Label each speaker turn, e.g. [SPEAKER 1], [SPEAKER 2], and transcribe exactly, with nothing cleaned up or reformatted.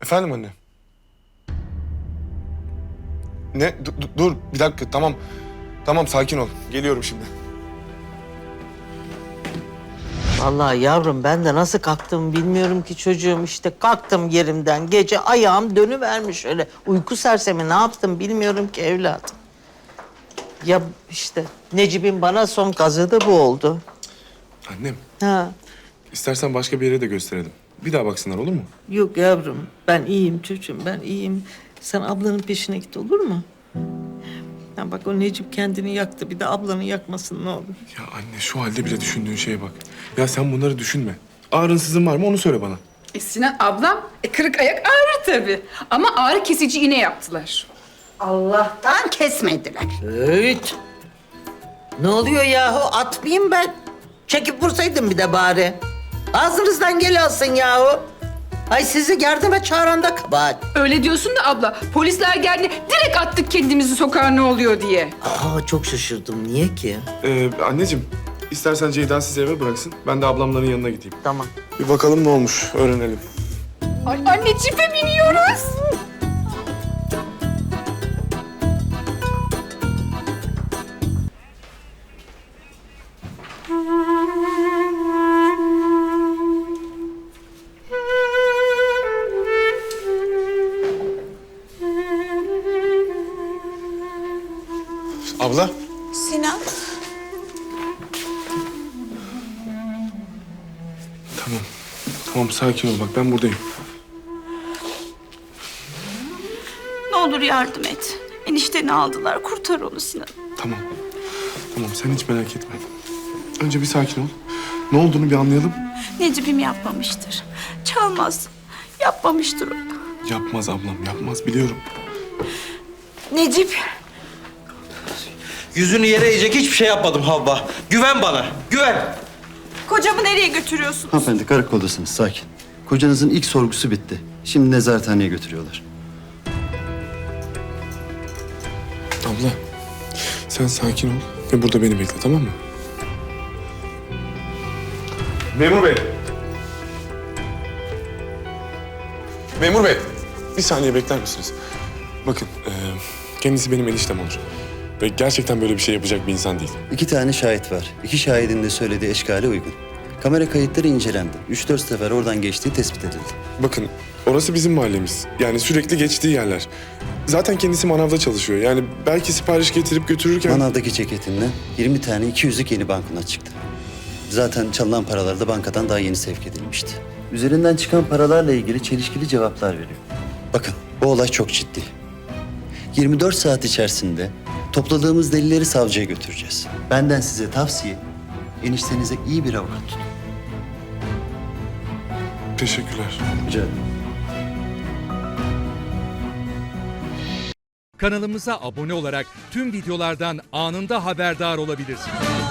[SPEAKER 1] Efendim anne? Ne? Dur, dur bir dakika tamam. Tamam sakin ol. Geliyorum şimdi.
[SPEAKER 2] Vallahi yavrum ben de nasıl kalktım bilmiyorum ki çocuğum. İşte kalktım yerimden. Gece ayağım dönüvermiş öyle. Uyku sersemi ne yaptım bilmiyorum ki evladım. Ya işte Necip'in bana son kazığı da bu oldu.
[SPEAKER 1] Annem,
[SPEAKER 2] Ha.
[SPEAKER 1] istersen başka bir yere de gösterelim. Bir daha baksınlar olur mu?
[SPEAKER 2] Yok yavrum ben iyiyim çocuğum ben iyiyim. Sen ablanın peşine git olur mu? Ya bak o Necip kendini yaktı. Bir de ablanı yakmasın ne olur.
[SPEAKER 1] Ya anne şu halde bile düşündüğün şeye bak. Ya sen bunları düşünme. Ağrınsızın var mı onu söyle bana.
[SPEAKER 3] E Sinan ablam, e, kırık ayak ağrır tabii. Ama ağrı kesici iğne yaptılar.
[SPEAKER 4] Allah'tan kesmediler.
[SPEAKER 2] Evet. Ne oluyor yahu? Atmayayım ben. Çekip vursaydım bir de bari. Ağzınızdan gel alsın yahu. Ay sizi yardıma çağıran da kabahat.
[SPEAKER 3] Öyle diyorsun da abla, polisler geldi direkt attık kendimizi sokağa ne oluyor diye.
[SPEAKER 2] Aa çok şaşırdım. Niye ki?
[SPEAKER 1] Ee, anneciğim, istersen Ceyda sizi eve bıraksın. Ben de ablamların yanına gideyim.
[SPEAKER 2] Tamam.
[SPEAKER 1] Bir bakalım ne olmuş, öğrenelim.
[SPEAKER 3] Ay anne cipe biniyoruz.
[SPEAKER 1] Abla.
[SPEAKER 4] Sinan.
[SPEAKER 1] Tamam. Tamam sakin ol bak ben buradayım.
[SPEAKER 4] Ne olur yardım et. Enişteni aldılar. Kurtar onu Sinan.
[SPEAKER 1] Tamam. Tamam sen hiç merak etme. Önce bir sakin ol. Ne olduğunu bir anlayalım.
[SPEAKER 4] Necip'im yapmamıştır. Çalmaz. Yapmamıştır o.
[SPEAKER 1] Yapmaz ablam yapmaz biliyorum.
[SPEAKER 4] Necip.
[SPEAKER 5] Yüzünü yere eğecek hiçbir şey yapmadım Havva. Güven bana, güven.
[SPEAKER 4] Kocamı nereye götürüyorsun?
[SPEAKER 6] Hanımefendi karakoldasınız, sakin. Kocanızın ilk sorgusu bitti. Şimdi nezarethaneye götürüyorlar.
[SPEAKER 1] Abla sen sakin ol ve burada beni bekle tamam mı? Memur bey. Memur bey. Bir saniye bekler misiniz? Bakın e, kendisi benim eniştem olur. Ve gerçekten böyle bir şey yapacak bir insan değil.
[SPEAKER 6] İki tane şahit var. İki şahidin de söylediği eşkale uygun. Kamera kayıtları incelendi. Üç dört sefer oradan geçtiği tespit edildi.
[SPEAKER 1] Bakın orası bizim mahallemiz. Yani sürekli geçtiği yerler. Zaten kendisi manavda çalışıyor. Yani belki sipariş getirip götürürken...
[SPEAKER 6] Manavdaki ceketinden yirmi tane iki yüzlük yeni banknot çıktı. Zaten çalınan paralar da bankadan daha yeni sevk edilmişti. Üzerinden çıkan paralarla ilgili çelişkili cevaplar veriyor. Bakın bu olay çok ciddi. yirmi dört saat içerisinde topladığımız delilleri savcıya götüreceğiz. Benden size tavsiye, eniştenize iyi bir avukat tutun.
[SPEAKER 1] Teşekkürler.
[SPEAKER 6] Rica ederim.
[SPEAKER 7] Kanalımıza abone olarak tüm videolardan anında haberdar olabilirsiniz.